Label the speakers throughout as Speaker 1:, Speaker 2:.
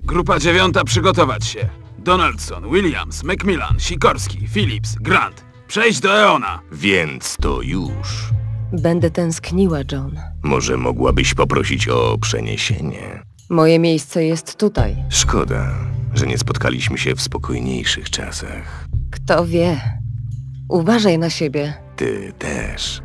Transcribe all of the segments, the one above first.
Speaker 1: Grupa 9 przygotować się. Donaldson, Williams, Macmillan, Sikorski, Phillips, Grant. Przejść do Eona.
Speaker 2: Więc to już.
Speaker 3: Będę tęskniła, John.
Speaker 2: Może mogłabyś poprosić o przeniesienie?
Speaker 3: Moje miejsce jest tutaj.
Speaker 2: Szkoda, że nie spotkaliśmy się w spokojniejszych czasach.
Speaker 3: Kto wie? Uważaj na siebie.
Speaker 2: Ty też.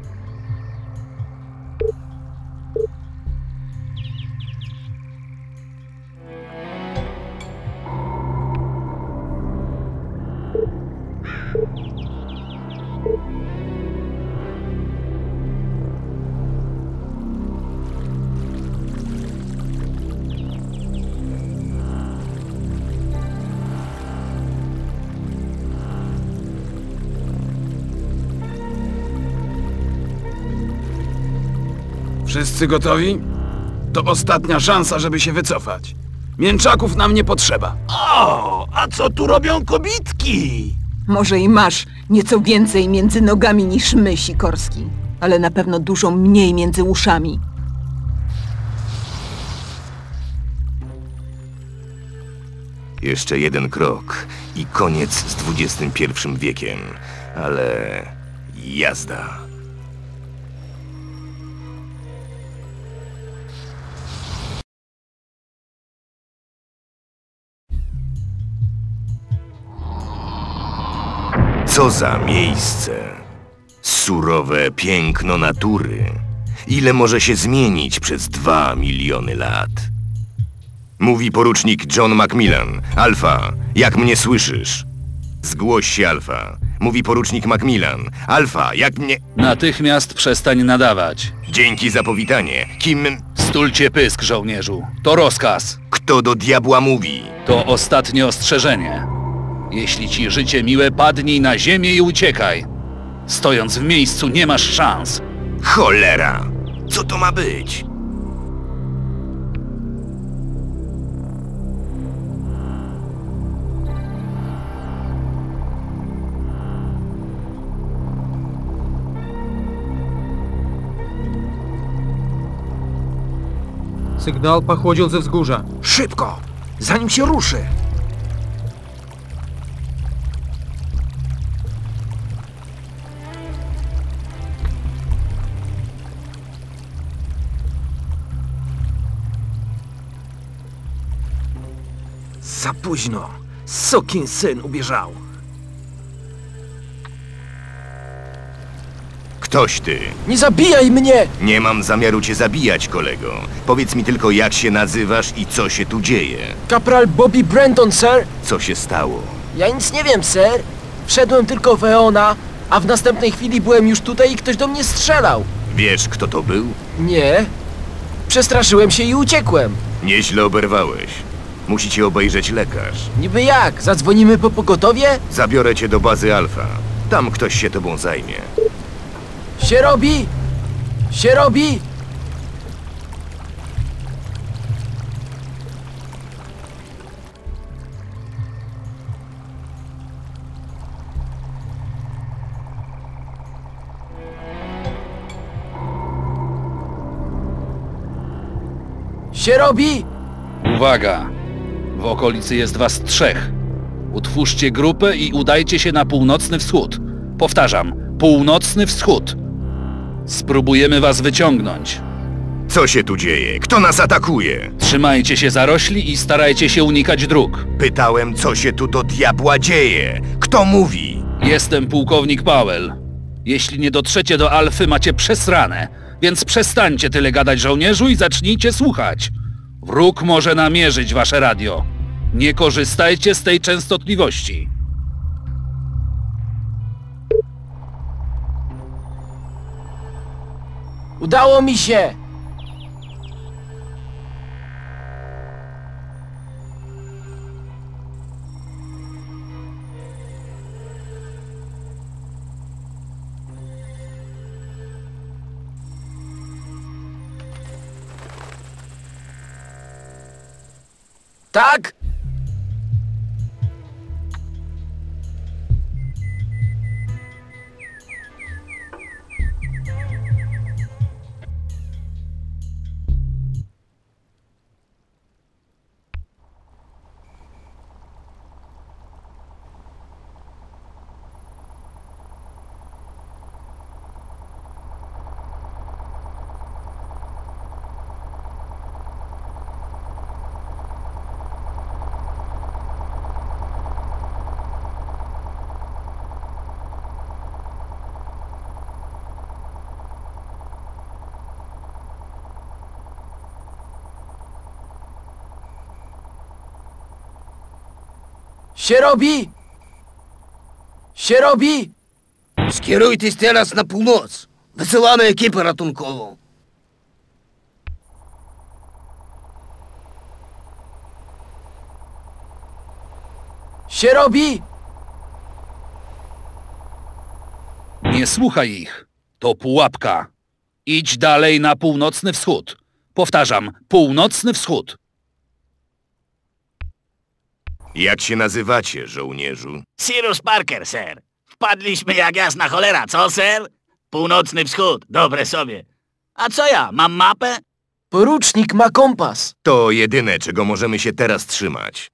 Speaker 1: Wszyscy gotowi? To ostatnia szansa, żeby się wycofać. Mięczaków nam nie potrzeba.
Speaker 4: O, a co tu robią kobitki?
Speaker 5: Może i masz nieco więcej między nogami niż my, Sikorski, ale na pewno dużo mniej między uszami.
Speaker 2: Jeszcze jeden krok i koniec z XXI wiekiem. Ale jazda. Co za miejsce! Surowe piękno natury. Ile może się zmienić przez 2 miliony lat? Mówi porucznik John Macmillan. Alfa, jak mnie słyszysz? Zgłoś się, Alfa. Mówi porucznik Macmillan. Alfa, jak mnie...
Speaker 6: Natychmiast przestań nadawać.
Speaker 2: Dzięki za powitanie. Kim...
Speaker 6: Stulcie pysk, żołnierzu. To rozkaz.
Speaker 2: Kto do diabła mówi?
Speaker 6: To ostatnie ostrzeżenie. Jeśli ci życie miłe, padnij na ziemię i uciekaj. Stojąc w miejscu nie masz szans.
Speaker 2: Cholera! Co to ma być?
Speaker 7: Sygnał pochodził ze wzgórza.
Speaker 4: Szybko, zanim się ruszy. Za późno. Sukinsyn ubieżał.
Speaker 2: Ktoś ty.
Speaker 4: Nie zabijaj mnie!
Speaker 2: Nie mam zamiaru cię zabijać, kolego. Powiedz mi tylko, jak się nazywasz i co się tu dzieje.
Speaker 4: Kapral Bobby Brenton, sir.
Speaker 2: Co się stało?
Speaker 4: Ja nic nie wiem, sir. Wszedłem tylko w Eona, a w następnej chwili byłem już tutaj i ktoś do mnie strzelał.
Speaker 2: Wiesz, kto to był?
Speaker 4: Nie. Przestraszyłem się i uciekłem.
Speaker 2: Nieźle oberwałeś. Musi cię obejrzeć lekarz.
Speaker 4: Niby jak? Zadzwonimy po pogotowie?
Speaker 2: Zabiorę cię do bazy Alfa. Tam ktoś się tobą zajmie.
Speaker 4: Się robi! Się robi! Się robi!
Speaker 6: Uwaga! W okolicy jest was 3. Utwórzcie grupę i udajcie się na północny wschód. Powtarzam, północny wschód. Spróbujemy was wyciągnąć.
Speaker 2: Co się tu dzieje? Kto nas atakuje?
Speaker 6: Trzymajcie się zarośli i starajcie się unikać dróg.
Speaker 2: Pytałem, co się tu do diabła dzieje. Kto mówi?
Speaker 6: Jestem pułkownik Powell. Jeśli nie dotrzecie do Alfy, macie przesrane. Więc przestańcie tyle gadać, żołnierzu, i zacznijcie słuchać. Wróg może namierzyć wasze radio. Nie korzystajcie z tej częstotliwości.
Speaker 4: Udało mi się! Tak? Się robi! Się robi!
Speaker 8: Skierujcie teraz na północ. Wysyłamy ekipę ratunkową.
Speaker 4: Się robi!
Speaker 6: Nie słuchaj ich. To pułapka. Idź dalej na północny wschód. Powtarzam, północny wschód.
Speaker 2: Jak się nazywacie, żołnierzu?
Speaker 9: Cyrus Parker, ser. Wpadliśmy jak jasna cholera, co, ser? Północny wschód, dobre sobie. A co ja, mam mapę?
Speaker 4: Porucznik ma kompas.
Speaker 2: To jedyne, czego możemy się teraz trzymać.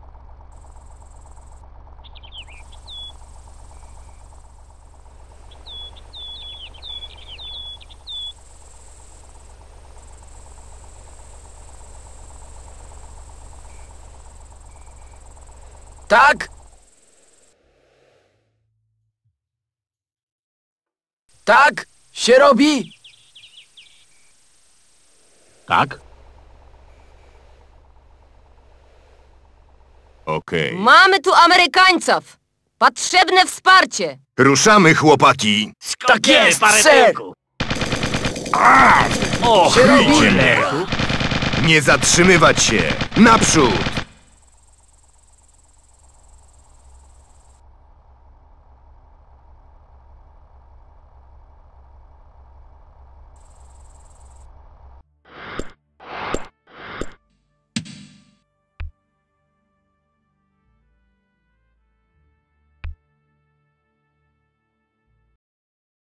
Speaker 4: Tak? Tak? Się robi?
Speaker 9: Tak?
Speaker 2: Okej.
Speaker 3: Mamy tu Amerykańców! Potrzebne wsparcie!
Speaker 2: Ruszamy, chłopaki!
Speaker 4: Tak jest,
Speaker 9: parę
Speaker 4: ser.
Speaker 9: tyłku.
Speaker 4: Się robi!
Speaker 2: Nie zatrzymywać się! Naprzód!